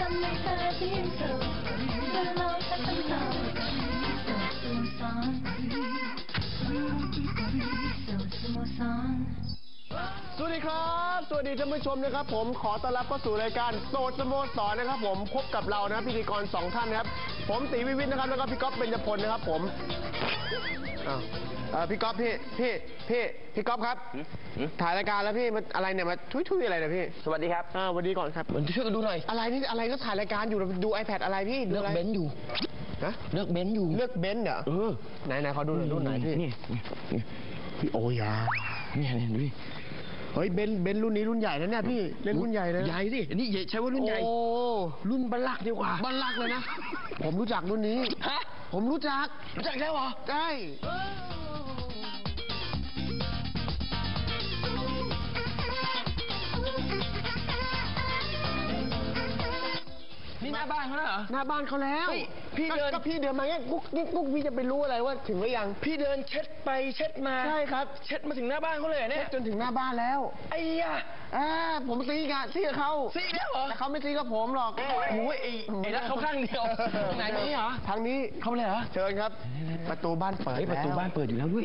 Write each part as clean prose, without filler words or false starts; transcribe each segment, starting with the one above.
ำให้เธอที่สุดจะลองสักคำตอบสโมสรสโมสรสวัสดีครับสวัสดีท่านผู้ชมนะครับผมขอต้อนรับเข้าสู่รายการโสดสโมสรนะครับผมพบกับเรานะพิธีกร2ท่านนะครับผมตีวิวิทย์นะครับแล้วก็พี่ก๊อฟเบญจพลนะครับผมพี่ก๊อฟพี่ก๊อฟครับถ่ายรายการแล้วพี่มันอะไรเนี่ยมาทุยอะไรเนี่ยพี่สวัสดีครับสวัสดีก่อนครับช่วยกันดูหน่อยอะไรนี่อะไรก็ถ่ายรายการอยู่ดู iPad อะไรพี่เลือกเบนซ์อยู่นะเลือกเบนซ์อยู่เลือกเบนซ์เหรอไหนเขาดูหน่อยรุ่นไหนพี่นี่พี่โอยาเนี่ยดูดิเฮ้ยเบนรุ่นนี้รุ่นใหญ่นะเนี่ยพี่เล่นรุ่นใหญ่เลยใหญ่สินี่ใช้ว่ารุ่นใหญ่รุ่นบัลลักดีกว่าบัลลักเลยนะผมรู้จักรุ่นนี้ฮะผมรู้จักแล้วเหรอใช่นี่หน้าบ้านเขาแล้วเหรอหน้าบ้านเขาแล้วพี่เดินมาเนี่ยกุ๊กพี่จะไปรู้อะไรว่าถึงหรือยังพี่เดินเช็ดไปเช็ดมาใช่ครับเช็ดมาถึงหน้าบ้านเขาเลยเนี่ยจนถึงหน้าบ้านแล้วไอ้ยะผมซีกับเขาซีแล้วเหรอแต่เขาไม่ซีกับผมหรอกโอ้ยไอ้รักเขาข้างเดียวไหนนี้เหรอทางนี้เข้าเลยเหรอเชิญครับประตูบ้านเปิดประตูบ้านเปิดอยู่แล้วด้วย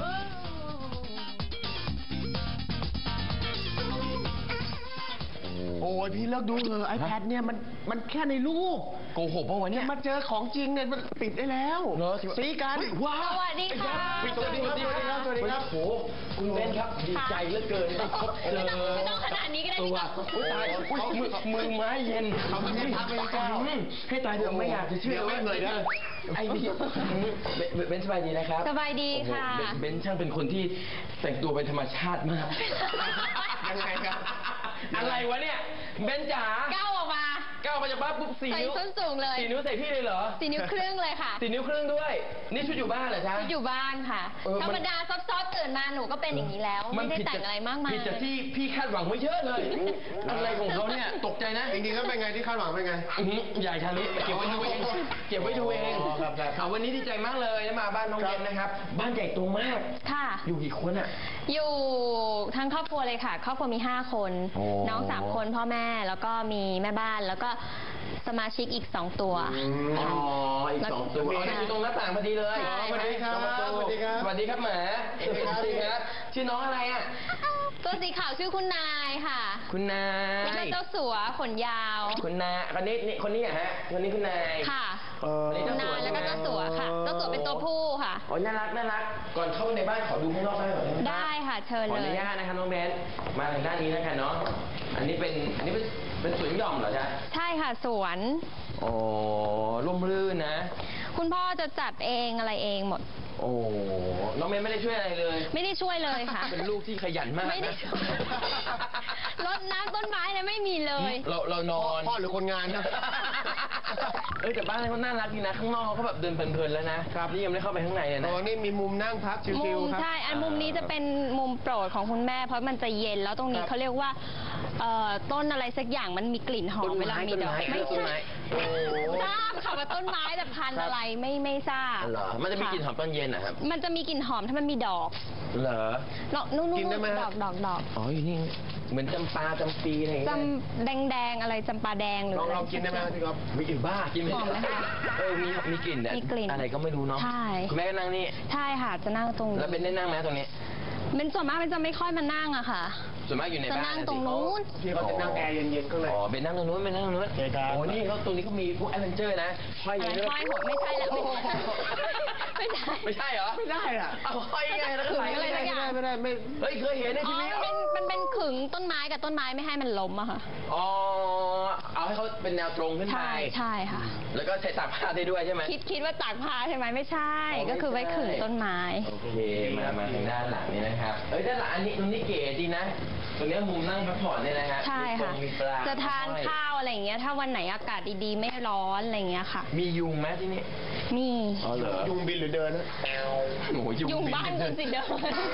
โอ้ยพี่เลิกดูเถอะ iPad เนี่ยมันแค่ในรูปโกหกเพราะวันนี้มาเจอของจริงเนี่ยมันปิดได้แล้วซีกันว้าวสวัสดีค่ะสวัสดีครับโอ้คุณเบนครับดีใจเหลือเกินได้พบเจอไม่ต้องขนาดนี้ก็ได้พี่ก๊อฟตายมือไม้เย็นทำให้ทักเป็นก้าวให้ตายเถอะไม่อยากจะเชื่อเลยนะไอ้นี่เบนสบายดีนะครับสบายดีค่ะเบนช่างเป็นคนที่แต่งตัวเป็นธรรมชาติมากยังไงครับอะไรวะเนี่ยเบนจ๋าก้าวออกมาจากบ้านปุ๊บ4 นิ้วใส่ส้นสูงเลย 4 นิ้วใส่พี่เลยเหรอ 4 นิ้วครึ่งเลยค่ะ 4 นิ้วครึ่งด้วยนี่ชุดอยู่บ้านเหรอจ๊ะชุดอยู่บ้านค่ะธรรมดาซอฟตื่นมาหนูก็เป็นอย่างนี้แล้วไม่ได้แต่งอะไรมากมายผิดจากที่พี่คาดหวังไว้เยอะเลยอะไรของเขาเนี่ยตกใจนะจริงๆก็เป็นไงที่คาดหวังเป็นไงใหญ่ชาลิเก็บไว้ดูเองครับวันนี้ดีใจมากเลยมาบ้านน้องเบนนะครับบ้านใหญ่โตมากค่ะอยู่กี่คนอ่ะอยู่ทั้งครอบครัวเลยค่ะครอบครัวมี5 คนน้อง3 คนพ่อแม่แล้วก็มีแม่บ้านแล้วก็สมาชิกอีก2 ตัวอีก2 ตัวอยู่ตรงหน้าต่างพอดีเลยสวัสดีครับสวัสดีครับหมาสวัสดีครับชื่อน้องอะไรอ่ะตัวสีขาวชื่อคุณนายค่ะคุณนายแล้วก็เจ้าสัวขนยาวคุณนายคนนี้ฮะคนนี้คุณนายค่ะคุณนายแล้วก็เจ้าสัวค่ะเจ้าสัวเป็นตัวผู้ค่ะน่ารักก่อนเข้าในบ้านขอดูข้างนอกได้ไหมได้ค่ะเชิญเลยขออนุญาตนะคะน้องเบนมาทางด้านนี้นะคะเนาะอันนี้เป็นสวนหย่อมเหรอจ๊ะใช่ค่ะสวนร่มรื่นนะคุณพ่อจะจัดเองอะไรเองหมดน้องเมย์ไม่ได้ช่วยอะไรเลยไม่ได้ช่วยเลยค่ะเป็นลูกที่ขยันมากไม่ได้ช่วยรดน้ำต้นไม้เนี่ยไม่มีเลยเรานอนพ่อหรือคนงานนะแต่บ้านเขาน่ารักดีนะข้างนอกเขาแบบเดินเพลินๆแล้วนะครับนี่ยังไม่ได้เข้าไปข้างในเลยนะนี่มีมุมนั่งพักชิวๆครับใช่อันมุมนี้จะเป็นมุมโปรดของคุณแม่เพราะมันจะเย็นแล้วตรงนี้เขาเรียกว่าต้นอะไรสักอย่างมันมีกลิ่นหอมเวลามีดอกไม่ใช่ทราบค่ะว่าต้นไม้แต่พันธุ์อะไรไม่ทราบเหรอมันจะมีกลิ่นหอมตอนเย็นนะครับมันจะมีกลิ่นหอมถ้ามันมีดอกเหรอนู่นดอกอยู่นี่เหมือนจำปาจำปีอะไรอย่างเงี้ยจำแดงอะไรจำปาแดงหรืออะไรลองกินได้ไหมพี่ก๊อฟไม่กินบ้ากินไม่ได้มีกลิ่นอะไรก็ไม่รู้เนาะใช่คุณแม่ก็นั่งนี่ใช่ค่ะจะนั่งตรงนี้แล้วเป็นได้นั่งไหมตรงนี้เป็นส่วนมากเป็นจะไม่ค่อยมานั่งอะค่ะส่วนมากอยู่ในบ้านจะนั่งตรงนู้นพี่เขาจะนั่งแอร์เย็นๆก็เลยเป็นนั่งตรงนู้นนี่เขาตรงนี้เขามีพวกแอดเวนเจอร์นะห้อยหัวไม่ใช่แล้วไม่ใช่เหรอไม่ได้อะห้อยไงแล้วก็ไหลอะไรสักอย่างไม่ได้เฮ้ยเคยเห็นในทีวีมันเป็นขึงต้นไม้กับต้นไม้ไม่ให้มันล้มอะค่ะเอาให้เขาเป็นแนวตรงขึ้นไปใช่ค่ะแล้วก็ใช้ตากผ้าได้ด้วยใช่ไหมคิดว่าตากผ้าใช่ไหมไม่ใช่ก็คือไว้ขึงต้นไม้โอเคมาทางด้านหลังนี้นะครับด้านหลังอันนี้ตรงนี้เก๋ดีนะตรงนี้มุมนั่งพักผ่อนเนี่ยนะฮะใช่ค่ะจะทานข้าวอะไรอย่างเงี้ยถ้าวันไหนอากาศดีๆไม่ร้อนอะไรอย่างเงี้ยค่ะมียุงไหมที่นี่มีเหรอยุงบินหรือเดินนะยุงบ้านคุณสิเดิน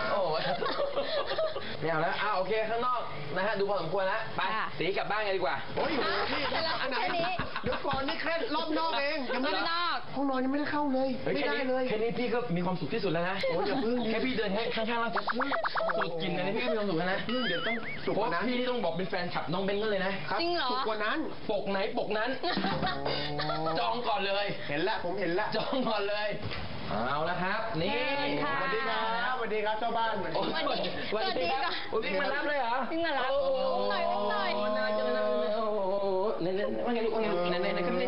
ไม่เอาแล้วโอเคข้างนอกนะฮะดูพอสมควรแล้วไปสีกลับบ้านกันดีกว่าโอ้ยพี่อันไหนเดี๋ยวก่อนนี่แค่รอบนอกเองรอบนอกโหห้องนอนยังไม่ได้เข้าเลยไม่ได้เลยแค่นี้พี่ก็มีความสุขที่สุดแล้วนะโอ้ยอย่าพึ่งดิแค่พี่เดินข้างๆแล้วสูดกลิ่นอันนี้พี่ก็มีความสุขแล้วนะเดี๋ยวต้องสุกเพกราะว่านั้นพี่นี่ต้องบอกเป็นแฟนคลับน้องเบนก็เลยนะครับจริงเหรอสุกกว่านั้นปกไหนปกนั้น จองก่อนเลยเห็นละผมเห็นละจองก่อนเลย เอาละครับ นี่เชิญค่ะสวัสดีครับสวัสดีครับเจ้าบ้านสวัสดีโอ้ครับยสวัสดีครับโอ้ยวิ่งมารับเลยเหรอวิ่งมารับโอ้โอุ้มหน่อยอุ้มหน่อยน่าจะนะโอ้โหเนี่ยว่าไงลูกว่าไงลูกไหนครับนี่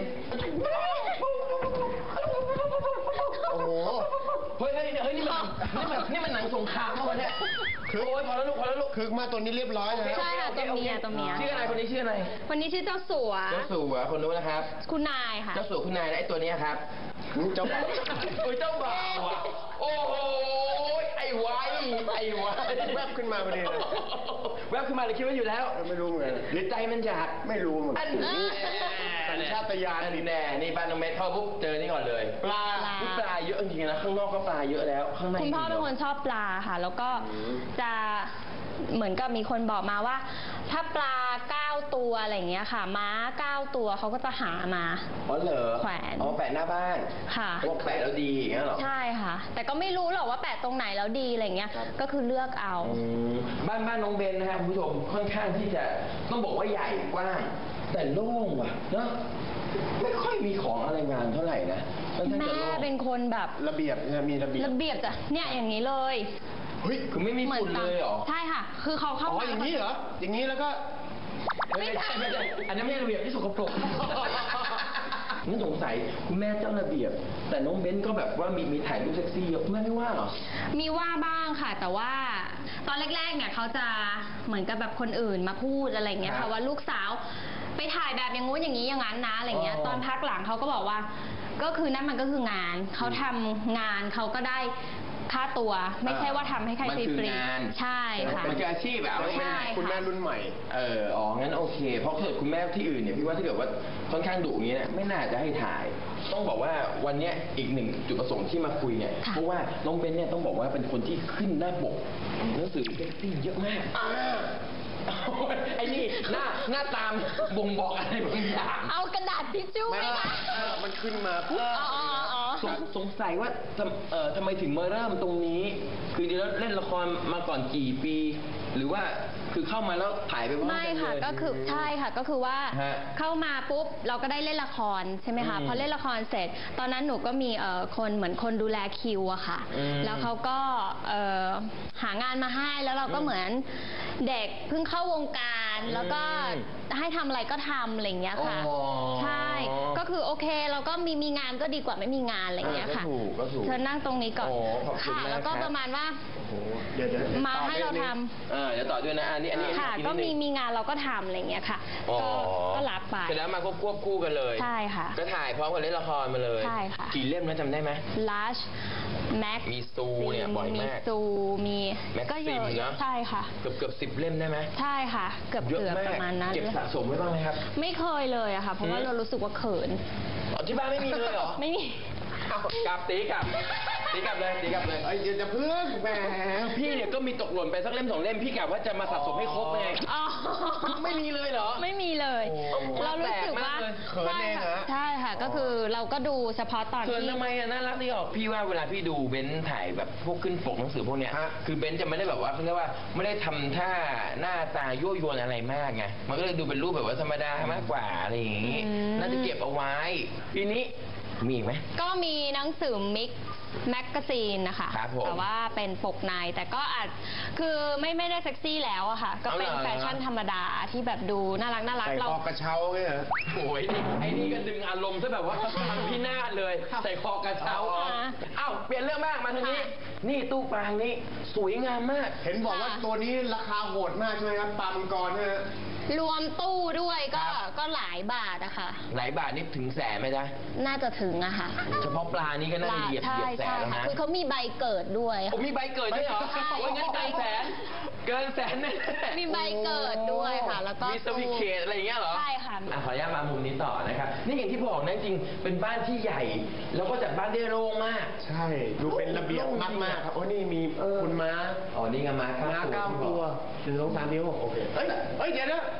โอ้โหเฮ้ยนี่มันหนังสงครามเมื่อวันเนี้ยโอ้ยพอแล้วลูกพอแล้วลูกคือมาตัวนี้เรียบร้อยนะใช่ค่ะตัวเมียตัวเมียชื่ออะไรคนนี้ชื่ออะไรวันนี้ชื่อเจ้าสัวเจ้าสัวคนนู้นนะครับคุณนายค่ะเจ้าสัวคุณนายและไอ้ตัวเนี้ยครับเจ้าบ้านโอ้ยเจ้าบ่าวอ่ะโอ้โหไอ้ไว้แวบขึ้นมาพอดีเลยแวบขึ้นมาเลยคิดว่าอยู่แล้วไม่รู้เหมือนกันหรือใจมันอยากไม่รู้เหมือนอักัน นนี้สัญชาตญาณอันนี้แน่นี่บ้านน้องเมทเข้าปุ๊บเจอนี่ก่อนเลยปลาปลาเยอะจริงๆนะข้างนอกก็ปลาเยอะแล้วข้างในคุณพ่อเป็นคนชอบปลาค่ะ แล้วก็จะเหมือนกับมีคนบอกมาว่า ถ้าปลา9ตัวอะไรอย่างเงี้ยค่ะ ม้า9ตัวเขาก็จะหามาอ๋อเหรอแขวนอ๋อแปะหน้าบ้านค่ะพวกแปะแล้วดีอย่างเงี้ยเหรอใช่ค่ะ แต่ก็ไม่รู้หรอกว่าแปะตรงไหนแล้วดีอะไรเงี้ย ก็คือเลือกเอาอืมบ้านน้องเบนนะครับคุณผู้ชมค่อนข้างที่จะต้องบอกว่าใหญ่กว้างแต่โล่งว่ะเนอะไม่ค่อยมีของอะไรงานเท่าไหร่นะค่อนข้างแม่จะโล่งเป็นคนแบบระเบียบนะมีระเบียบระเบียบจ้ะเนี่ยอย่างนี้เลยเฮ้ยคือไม่มีฝุ่นเลยเหรอใช่ค่ะ คือเขาเข้าอ๋อมาอย่างนี้เหรออย่างนี้แล้วก็ไม่ใช่อันนั้นไม่ใช่ระเบียบที่สกปรกนี่สงสัยคุณแม่เจ้าระเบียบ แต่น้องเบนก็แบบว่ามีถ่ายรูปเซ็กซี่เยอะคุณแม่ไม่ว่าเหรอมีว่าบ้างค่ะ แต่ว่าตอนแรกๆเนี่ยเขาจะเหมือนกับแบบคนอื่นมาพูดอะไรเงี้ยครัค่ะบว่าลูกสาวไปถ่ายแบบอย่างงู้นอย่างนี้อย่างนั้นนะอะไรเงี้ยอ๋อตอนพักหลังเขาก็บอกว่า ก็คือนั่นมันก็คืองานเขาทำงานเขาก็ได้ค่าตัว ไม่ใช่ว่าทำให้ใครมันฟคือรีงานๆใช่ค่ะมันคืออาชีพอะเอาใช่ง่ายคุณแม่รุ่นใหม่อ๋อ งั้นโอเค เพราะถ้าเกิดคุณแม่ที่อื่นเนี่ยพี่ว่าถ้าเกิดว่าค่อนข้างดุอย่างนี้เนี่ยไม่น่าจะให้ถ่าย ต้องบอกว่าวันเนี้ยอีกหนึ่งจุดประสงค์ที่มาคุยเนี่ยค่ะเพราะว่าน้องเบนเนี่ยต้องบอกว่าเป็นคนที่ขึ้นหน้าปกหนังสือเซ็กซี่เยอะมากไอ้นี่หน้าตามบ่งบอกอะไรบางอย่างเอากระดาษทิชชู่ไหมคะมันขึ้นมาปุ๊บอ๋อสงสัยว่าทำไมถึงมาเริ่มตรงนี้ คือดีแล้วเล่นละครมาก่อนกี่ปี หรือว่าคือเข้ามาแล้วถ่ายไปพร้อมไม่กันค่ะเลยก็คือใช่ค่ะก็คือว่าฮะเข้ามาปุ๊บเราก็ได้เล่นละครใช่ไหมคะอืมพอเล่นละครเสร็จ ตอนนั้นหนูก็มีคนเหมือนคนดูแลคิวอะค่ะอืมแล้วเขาก็หางานมาให้แล้วเราก็เหมือนเด็กเพิ่งเข้าวงการ แล้วก็ให้ทำอะไรก็ทำอะไรอย่างเงี้ยค่ะอ๋อใช่ก็คือโอเคเราก็มีงานก็ดีกว่าไม่มีงานอะไรอย่างเงี้ยค่ะก็ถูกเชิญนั่งตรงนี้ก่อนโอ้ขอบคุณค่ะมากแล้วก็ครับประมาณว่าโอ้โหเดี๋ยวมาให้เราทำเดี๋ยวต่อด้วยนะอันนี้ค่ะอีก็นิดนึงมีงานเราก็ทำอะไรอย่างเงี้ยค่ะอ๋อก็รับไปเสร็จแล้วมาควบคู่กันเลยใช่ค่ะก็ถ่ายพร้อมกับเล่นละครมาเลยใช่ค่ะกี่เล่มนะจำได้ไหม Lush Max มีซูเนี่ยบ่อยมากมีซูมี Maxim ก็เยอะนะใช่ค่ะเกือบ10 เล่มได้ไหมใช่ค่ะ เกือบเยอะเกือบมากประมาณนั้นเก็บสะสมไว้บ้างไหมครับไม่เคยเลยอะค่ะ เพราะว่าอืมเรารู้สึกว่าเขินอ๋อที่บ้านไม่มีเลยเหรอไม่มีเอากลับตีกลับเลยตีกลับเลยเอ้ยเดี๋ยวจะพึ่งแหมพี่เนี่ยก็มีตกหล่นไปสักเล่ม2 เล่มพี่กะว่าจะมาสะสมให้ครบไงอ๋อไม่มีเลยเหรอไม่มีเลยโอ้เรารู้สึกว่าแปลกมากเลยเขินเองเหรอใช่ค่ะ ก็คือเราก็ดูเฉพาะตอนเขินที่ทำไมอะน่ารักดีออกพี่ว่าเวลาพี่ดูเบนซ์ถ่ายแบบพวกขึ้นปกหนังสือพวกเนี้ยฮะคือเบนซ์จะไม่ได้แบบว่าเขาเรียกว่าไม่ได้ทำท่าหน้าตายั่วยวนอะไรมากไงมันก็เลยดูเป็นรูปแบบว่าธรรมดามากกว่าอะไรอย่างงี้ น่าจะเก็บเอาไว้ปีนี้มีอีกไหมก็มีหนังสือมิกแมกกาซีนนะคะครับผมแต่ว่าเป็นปกในแต่ก็อาจคือไม่ได้เซ็กซี่แล้วอะค่ะ ก็เป็นเอาเหรอแฟชั่นธรรมดาที่แบบดูน่ารักใส่เราคอกระเช้าไงเหรอโอ้ยไอ้นี่ก็ดึงอารมณ์ซะแบบว่าทำพินาศเลย ใส่คอกระเช้าอ่าเอ้าเปลี่ยนเรื่องมากมาทางนี้ค่ะนี่ตู้ปลางนี้สวยงามมากเห็นบอกว่าตัวนี้ราคาโหดมากใช่ไหมครับปลามังกรเนี่ยรวมตู้ด้วยก็ครับก็หลายบาทอะค่ะหลายบาทนี่ถึงแสนไหมจ๊ะน่าจะถึงอะค่ะเฉพาะปลานี่ก็น่าจะเหยียบใช่แสใช่นแล้วค่ะนะคือเขามีใบเกิดด้วยผมค่ะมีใบเกิดด้วยเหรอใช่โอ้ยงั้นเกินแสน เกินแสนแน่มีใบเกิดด้วยค่ะ แล้วก็มีสวิตช์เคทอะไรอย่างเงี้ยเหรอใช่ค่ะขออนุญาตมามุมนี้ต่อนะครับ นี่อย่างที่บอกนะจริงเป็นบ้านที่ใหญ่ แล้วก็จัดบ้านได้โล่งมากใช่ ดูเป็นระเบียบมากๆครับโอ้นี่มีคุณม้าอ๋อ นี่ไงม้าม้า 9 9 ตัว1 2 3 นิ้วโอเคเอ้ยเดี๋ยวนะฮะ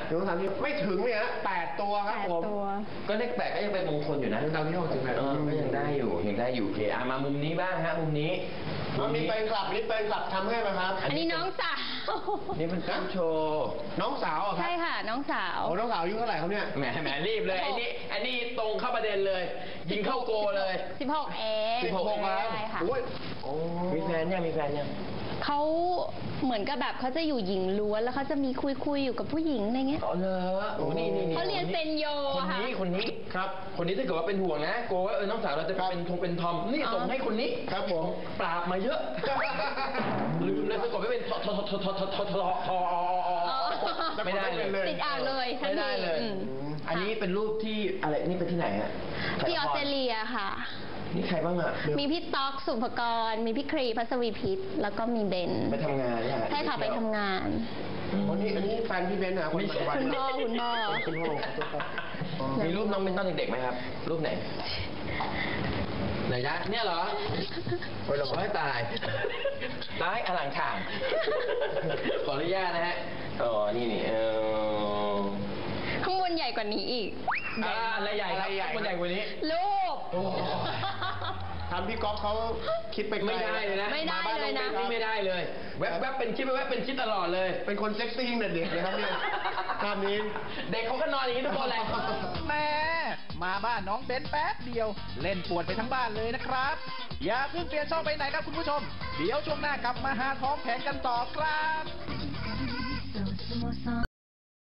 1 2 3 4ไม่ถึงเนี่ยนะ8 ตัวครับผม 8 ตัวก็เลข8ก็ยังเป็นมงคลอยู่นะดาวที่6ถึง8 ก็ยังได้อยู่โอเคมามุมนี้บ้างฮะมุมนี้มีแฟนคลับทำให้ไหมครับอันนี้น้องสาวนี่เป็นการโชว์น้องสาวเหรอครับใช่ค่ะ น้องสาวโอ้น้องสาวอายุเท่าไหร่ครับเนี่ยแหมรีบเลยอันนี้ตรงเข้าประเด็นเลย ยิงเข้าโกเลย 16 เอง 16 ครับใช่ค่ะโอ้ยมีแฟนยังเขาเหมือนกับแบบเขาจะอยู่หญิงล้วนแล้วเขาจะมีคุยอยู่กับผู้หญิงอะไรเงี้ยอ๋อเหรอโอ้นี่เขาเรียนเซนโยคนค่ะนี้ครับคนนี้ถ้าเกิดว่าเป็นห่วงนะกลัวว่าน้องสาวเราจะเป็นทอมนี่ส่งให้คนนี้ครับผมปราบมาเยอะลืมเลยสะกดไม่เป็นไม่ได้เลยติดอ่างเลยทันไม่ทีได้เลยอืมอันนี้เป็นรูปที่อะไรนี่เป็นที่ไหนฮะที่ออสเตรเลียค่ะนี่ใครบ้างอ่ะมีพี่ต๊อกสุภกร มีพี่ครีพัสวีพิษแล้วก็มีเบนไปทำงานเนี่ยใช่ค่ะไปทำงานอันนี้แฟนพี่เบนซ์นะคนปัจจุบันคุณพ่อคุณพ่อขอโทษครับมีรูปน้องเป็นตอนเด็กๆไหมครับ รูปไหนไหนจ๊ะเนี่ยเหรอโอ้ยเราไม่ตายอลังข่างขออนุญาตนะฮะอ๋อนี่ข้างบนใหญ่กว่านี้อีกอะไรใหญ่ครับคนใหญ่กว่านี้รูปทำพี่ก๊อฟเขาคิดไปไกลไม่ได้เลยนะไม่ได้เลยนะนี่ไม่ได้เลย แวบเป็นคิดตลอดเลยเป็นคนเซ็กซี่ตั้งแต่เด็กเลยครับเนี่ยภาพนี้เด็กเขาก็นอนอย่างนี้ทุกคนเลยแม่มาบ้านน้องเบนแป๊บเดียว เล่นปวดไปทั้งบ้านเลยนะครับ อย่าเพิ่งเปลี่ยนช่องไปไหนครับคุณผู้ชม เดี๋ยวช่วงหน้ากลับมาหาท้องแขนกันต่อครับ